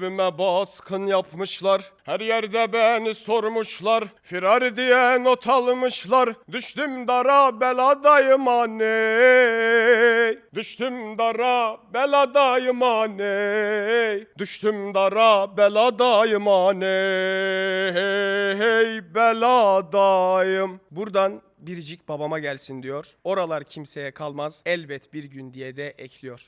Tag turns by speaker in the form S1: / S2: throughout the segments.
S1: Evime baskın yapmışlar, her yerde beni sormuşlar. Firar diye not almışlar, düştüm dara beladayım aney. Düştüm dara beladayım aney. Düştüm dara beladayım aney. Hey beladayım. Buradan biricik babama gelsin diyor. Oralar kimseye kalmaz elbet bir gün diye de ekliyor.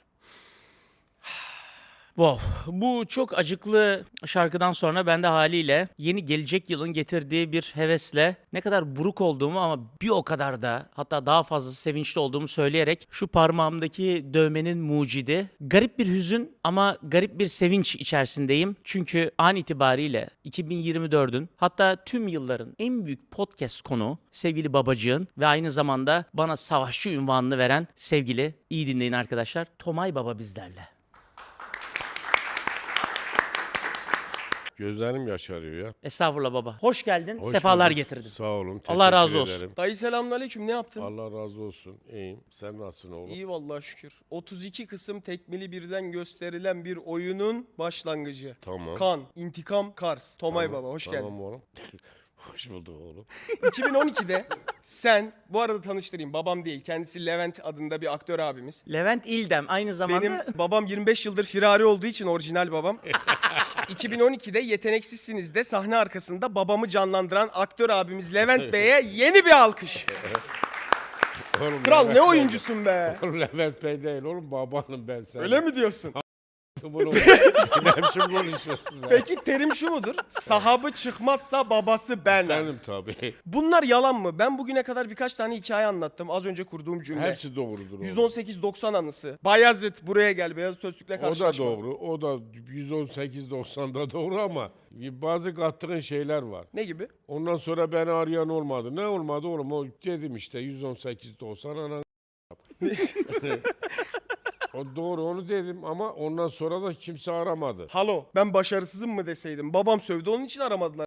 S2: Wow, bu çok acıklı şarkıdan sonra ben de haliyle yeni gelecek yılın getirdiği bir hevesle ne kadar buruk olduğumu ama bir o kadar da hatta daha fazla sevinçli olduğumu söyleyerek şu parmağımdaki dövmenin mucidi garip bir hüzün ama garip bir sevinç içerisindeyim. Çünkü an itibariyle 2024'ün hatta tüm yılların en büyük podcast konuğu sevgili babacığın ve aynı zamanda bana savaşçı unvanını veren sevgili, iyi dinleyin arkadaşlar, Tomay Baba bizlerle.
S3: Gözlerim yaşarıyor ya.
S2: Estağfurullah baba. Hoş geldin.
S3: Hoş
S2: sefalar
S3: bulduk.
S2: getirdin.
S3: Sağ olun.
S2: Allah razı
S3: teşekkür
S2: olsun.
S3: ederim.
S1: Dayı selamünaleyküm, ne yaptın?
S3: Allah razı olsun. İyiyim. Sen nasılsın oğlum?
S1: İyi vallahi şükür. 32 kısım tekmili birden gösterilen bir oyunun başlangıcı.
S3: Tamam.
S1: Kan, intikam, Kars. Tomay
S3: Tamam,
S1: Baba hoş
S3: tamam
S1: geldin.
S3: oğlum. Hoş bulduk oğlum.
S1: 2012'de sen, bu arada tanıştırayım, babam değil, kendisi Levent adında bir aktör abimiz.
S2: Levent İldem aynı zamanda
S1: Benim babam 25 yıldır firari olduğu için orijinal babam. 2012'de Yeteneksizsiniz'de sahne arkasında babamı canlandıran aktör abimiz Levent Bey'e yeni bir alkış.
S3: Oğlum
S1: Kral
S3: Levent
S1: ne
S3: Bey-
S1: oyuncusun be.
S3: Oğlum Levent Bey değil oğlum, babanım ben sen.
S1: Öyle mi diyorsun?
S3: Oğlum, ne biçim konuşuyorsun sen?
S1: Peki terim şu mudur? Sahabı çıkmazsa babası ben.
S3: Benim tabii.
S1: Bunlar yalan mı? Ben bugüne kadar birkaç tane hikaye anlattım. Az önce kurduğum cümle.
S3: Hepsi doğrudur oğlum.
S1: 118-90 anısı. Bayezid buraya gel. Beyazıt Öztürk'le
S3: O da
S1: karşılaşma.
S3: doğru. O da 118-90'da doğru ama bazı kattığın şeyler var.
S1: Ne gibi?
S3: Ondan sonra beni arayan olmadı. Ne olmadı oğlum? O dedim işte 118-90 anan. O doğru, onu dedim ama ondan sonra da kimse aramadı.
S1: Halo ben başarısızım mı deseydim. Babam sövdü onun için aramadılar.